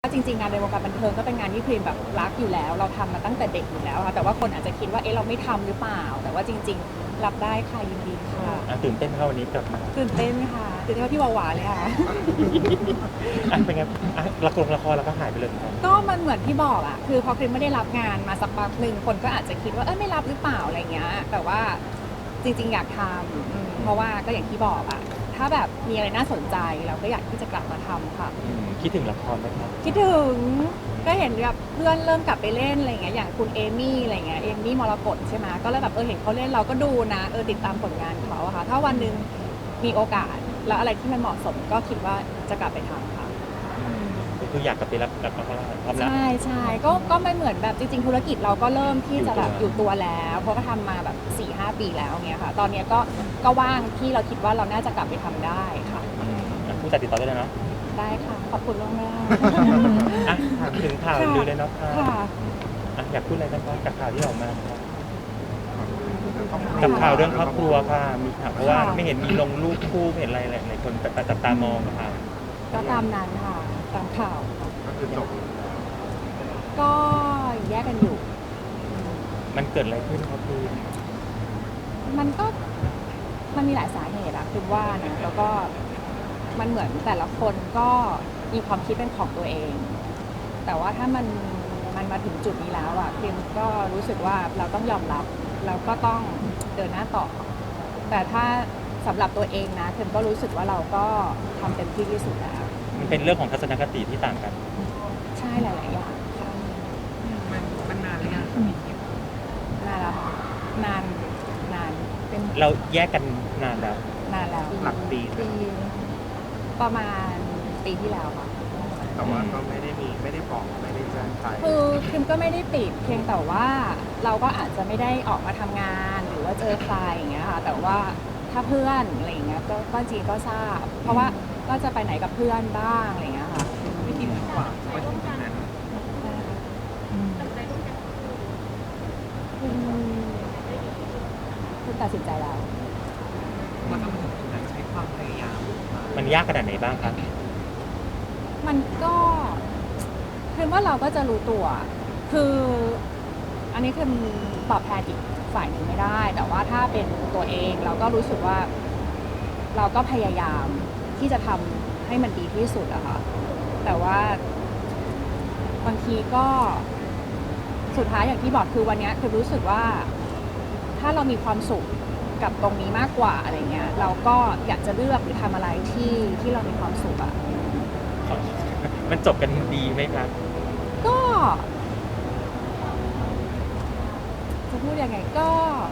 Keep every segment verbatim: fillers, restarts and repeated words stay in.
จริงๆงานในวงการบันเทิงก็เป็นงานที่พรีมแบบรักอยู่แล้วเราทำมาตั้งแต่เด็กอยู่แล้วค่ะแต่ว่าคนอาจจะคิดว่าเอ๊ะเราไม่ทำหรือเปล่าแต่ว่าจริงๆรับได้ค่ะยินดีค่ะอ่ะตื่นเต้นเข้าวันนี้กลับมาตื่นเต้นค่ะตื่นเต้นว่าพี่หวานๆเลยค่ะอ่ะเป็นไงอ่ะละครละครแล้วก็หายไปเลยเหมือนกันก็มันเหมือนที่บอกอะคือพอพรีมไม่ได้รับงานมาสักพักหนึ่งคนก็อาจจะคิดว่าเออไม่รับหรือเปล่าอะไรเงี้ยแต่ว่าจริงๆอยากทำอืมเพราะว่าก็อย่างที่บอกอะถ้าแบบมีอะไรน่าสนใจเราก็อยากที่จะกลับมาทำค่ะอืมคิดถึงละครไหมครับคิดถึงก็เห็นแบบเพื่อนเริ่มกลับไปเล่นอะไรเงี้ยอย่างคุณเอมี่อะไรเงี้ยเอมี่มรกตใช่ไหมก็เลยแบบเออเห็นเขาเล่นเราก็ดูนะเออติดตามผลงานเขาอะค่ะถ้าวันหนึ่งมีโอกาสแล้วอะไรที่มันเหมาะสมก็คิดว่าจะกลับไปทำค่ะก็คืออยากกลับไปรับรับละครพร้อมแล้วใช่ใช่ก็ก็ไม่เหมือนแบบจริงๆธุรกิจเราก็เริ่มที่จะแบบออยู่ ยู่ตัตัว วแล้วเพราะก็ทำมาแบบ สี่ห้า ปีแล้วเงี้ยค่ะ ตอนเนี้ยก็ก็ว่างที่เราคิดว่าเราน่าจะกลับไปทำได้ค่ะอืมอ่ะผู้จัดติดต่อได้เลยเนาะได้ค่ะขอบคุณล่วงหน้าอ่ะถามถึงข่าวค่ะลือเลยเนาะค่ะค่ะอ่ะอยากพูดอะไรบ้างครับกับข่าวที่ออกมาครับกับข่าวเรื่องครอบครัวค่ะมีข่าวเพราะว่าไม่เห็นมีลงรูปคู่ไม่เห็นอะไรหลายๆคนแต่จับตามองค่ะก็ตามนั้นค่ะตามข่าวก็คือจบก็แยกกันอยู่มันเกิดอะไรขึ้นครับพี่มันก็มันมีหลายสาเหตุอะคือว่านะแล้วก็มันเหมือนแต่ละคนก็มีความคิดเป็นของตัวเอง แต่ว่าถ้ามันมันมาถึงจุดนี้แล้วอะพิมก็รู้สึกว่าเราต้องยอมรับเราก็ต้องเดินหน้าต่อ แต่ถ้าสำหรับตัวเองนะพิมก็รู้สึกว่าเราก็ทำเต็มที่ที่สุดแล้วมันเป็นเรื่องของทัศนคติที่ต่างกันใช่หลาย ๆ อย่างค่ะมันมันนานหรือยังครับพี่คิมนานแล้วค่ะนานนานเป็นเราแยกกันนานแล้วนานแล้วหลักปีปีประมาณปีที่แล้วค่ะแต่ว่าก็ไม่ได้มีไม่ได้บอกไม่ได้แจ้งใครคือคิมก็ไม่ได้ปิดเพียงแต่ว่าเราก็อาจจะไม่ได้ออกมาทำงานหรือว่าเจอใครอย่างเงี้ยค่ะแต่ว่าถ้าเพื่อนอะไรอย่างเงี้ยก็ก็จริงก็ทราบ เพราะว่าก็จะไปไหนกับเพื่อนบ้างอะไรอย่างเงี้ยค่ะพี่คิมกว่าไปถึงจุดนั้นคุณคุณตัดสินใจแล้วว่าต้องมาถึงจุดนั้นใช้ความพยายามมากมันยากขนาดไหนบ้างครับมันก็คือว่าเราก็จะรู้ตัว คืออันนี้คือตอบแทนอีกฝ่ายหนึ่งไม่ได้ แต่ว่าถ้าเป็นตัวเองเราก็รู้สึกว่า เราก็พยายามที่จะทำให้มันดีที่สุดอะค่ะ แต่ว่าบางทีก็สุดท้ายอย่างที่บอกคือวันเนี้ยคือรู้สึกว่า ถ้าเรามีความสุขกับตรงนี้มากกว่าอะไรเงี้ย เราก็อยากจะเลือกหรือทำอะไรที่ที่เรามีความสุขอะมันจบกันดีไหมครับก็จะพูดยังไงก็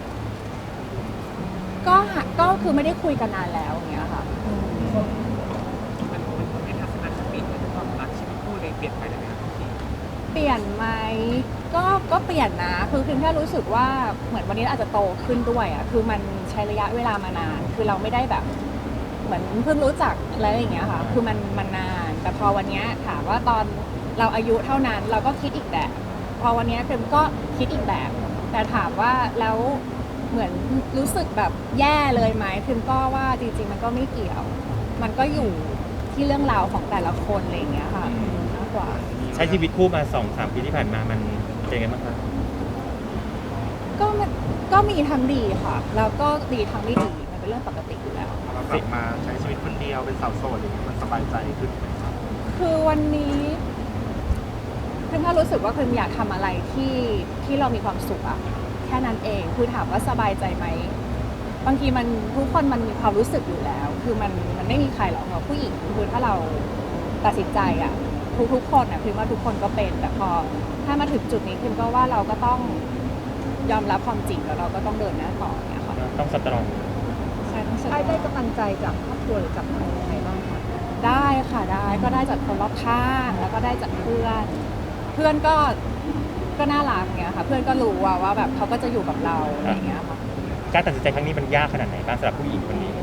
ก็หาก็คือไม่ได้คุยกันนานแล้วอย่างเงี้ยค่ะอืมมันมันทำให้ทัศนคติและความรักชีวิตคู่เลยเปลี่ยนไปเลยไหมครับพี่คิมเปลี่ยนไหมก็ก็เปลี่ยนนะ คือคือแค่รู้สึกว่าเหมือนวันนี้อาจจะโตขึ้นด้วยอ่ะคือมันใช้ระยะเวลามานาน คือเราไม่ได้แบบ เหมือนเพิ่งรู้จักอะไรอย่างเงี้ยค่ะ คือมันมันนาน แต่พอวันเนี้ยถามว่าตอนเราอายุเท่านั้น เราก็คิดอีกแบบ พอวันเนี้ยคือก็คิดอีกแบบ แต่ถามว่าแล้วเหมือนรู้สึกแบบแย่เลยไหมพิมก็ว่าจริงๆมันก็ไม่เกี่ยว มันก็อยู่ที่เรื่องราวของแต่ละคนอะไรอย่างเงี้ยค่ะมากกว่าใช้ชีวิตคู่มาสองสามปีที่ผ่านมามันเป็นไงบ้างครับก็มันก็มีทั้งดีค่ะ แล้วก็ดีทั้งไม่ดี มันเป็นเรื่องปกติอยู่แล้วเรากลับมาใช้ชีวิตคนเดียวเป็นสาวโสดอย่างเงี้ยมันสบายใจขึ้นไหมครับคือวันนี้พิมก็รู้สึกว่าพิมอยากทำอะไรที่ที่เรามีความสุขอะแค่นั้นเอง คือถามว่าสบายใจไหม บางทีมันทุกคนมันมีความรู้สึกอยู่แล้ว คือมันมันไม่มีใครหรอกค่ะผู้หญิงคือถ้าเราตัดสินใจอะทุกทุกคนอะพิมว่าทุกคนก็เป็น แต่พอถ้ามาถึงจุดนี้พิมก็ว่าเราก็ต้องยอมรับความจริงแล้วเราก็ต้องเดินหน้าต่อเนี่ยค่ะต้องสตรองใช่ต้องเชื่อไอ้ได้กำลังใจจากครอบครัวหรือจากใครยังไงบ้างคะได้ค่ะได้ก็ได้จากคนรอบข้างแล้วก็ได้จากเพื่อน เพื่อนก็ก็น่ารักเงี้ยค่ะ เพื่อนก็รู้ว่าว่าแบบเขาก็จะอยู่กับเราอะไรอย่างเงี้ยค่ะการตัดสินใจครั้งนี้มันยากขนาดไหนบ้างสำหรับผู้หญิงคนนี้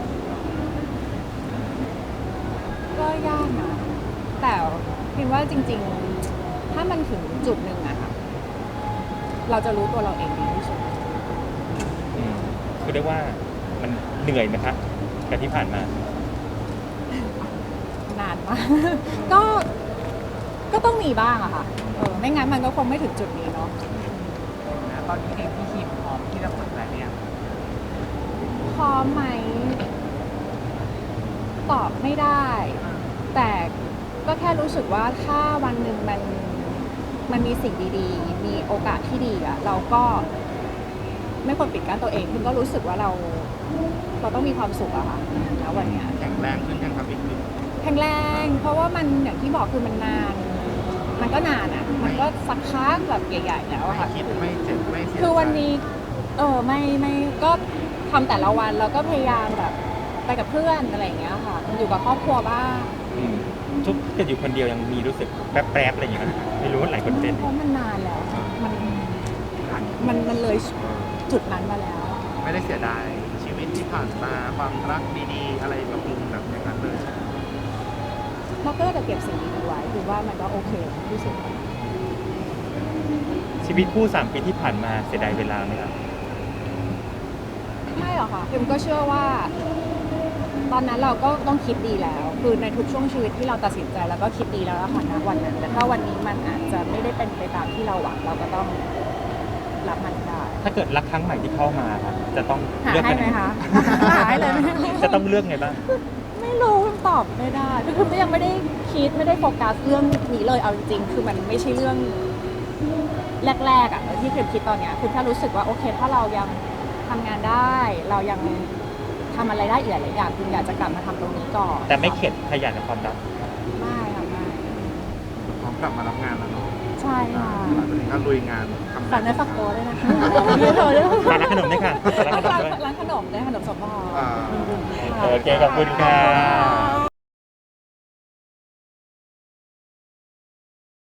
ก็ยากนะแต่พิมว่าจริง ๆ ถ้ามันถึงจุดหนึ่งอะค่ะเราจะรู้ตัวเราเองดีที่สุดอืมคือเรียกว่ามันเหนื่อยไหมครับกับที่ผ่านมานานมาก ก็ก็ต้องมีบ้างอะค่ะเออไม่งั้นมันก็คงไม่ถึงจุดนี้เนาะนะตอนนี้เองพี่คิมพร้อมที่จะเปิดใจเนี่ยพร้อมไหมตอบไม่ได้ แต่ก็แค่รู้สึกว่าถ้าวันหนึ่งมันมันมีสิ่งดีๆ มีโอกาสที่ดีอะเราก็ไม่ควรปิดกั้นตัวเองคือก็รู้สึกว่าเรา เราต้องมีความสุขอะค่ะแล้ววันเนี้ยแข็งแรงขึ้นยังครับพี่คิมแข็งแรง เพราะว่ามันอย่างที่บอกคือมันนาน มันก็นานอะมันก็สักพักแบบใหญ่ๆแล้วอะไม่ค่ะคิดไม่เจ็บไม่เสียใจคือวันนี้เออไม่ไม่ก็ทำแต่ละวันแล้วก็พยายามแบบไปกับเพื่อนอะไรอย่างเงี้ยค่ะอยู่กับครอบครัวบ้างอืมทุกจะอยู่คนเดียวยังมีรู้สึกแป๊บๆอะไรอย่างเงี้ยนะไม่รู้ว่าหลายคนเป็นเพราะมันนานแล้ว มันมันมันเลยจุดนั้นมาแล้วไม่ได้เสียดายชีวิตที่ผ่านมาความรักดีๆ อะไรแบบมุมแบบอย่างนั้นเลยเราก็จะเก็บสิ่งดีๆไว้คือว่ามันก็โอเคที่สุดชีวิตคู่สามปีที่ผ่านมาเสียดายเวลาไหมครับไม่หรอกค่ะพิมก็เชื่อว่า ตอนนั้นเราก็ต้องคิดดีแล้ว คือในทุกช่วงชีวิตที่เราตัดสินใจแล้วก็คิดดีแล้วอะค่ะณวันนั้น แต่ถ้าวันนี้มันอาจจะไม่ได้เป็นไปตามที่เราหวังเราก็ต้องรับมันได้ถ้าเกิดรักครั้งใหม่ที่เข้ามาครับจะต้องหาเลือกให้กันไหมคะ หาให้เลยไหมจะต้องเลือกไงบ้างไม่รู้ตอบไม่ได้คือคือยังไม่ได้คิดไม่ได้โฟกัสเรื่องนี้เลยเอาจริงๆคือมันไม่ใช่เรื่องแรกๆอ่ะที่พิมคิดตอนเนี้ยคือแค่รู้สึกว่าโอเค ถ้าเรายังทำงานได้ เรายังทำอะไรได้อีกหลายๆอย่างพิมอยากจะกลับมาทำตรงนี้ก่อนแต่ไม่เข็ดขยันกับความรักไม่ค่ะไม่พร้อมกลับมารับงานแล้วเนาะใช่ค่ะหลังจากนี้ก็ลุยงานทำฝากเนื้อฝากตัวด้วยนะคะไม่โทรด้วยฝากร้านขนมด้วยค่ะฝากร้านขนมด้วยร้านขนมด้วยขนมสมพรอ่าโอเคขอบคุณค่ะขอบคุณค่ะ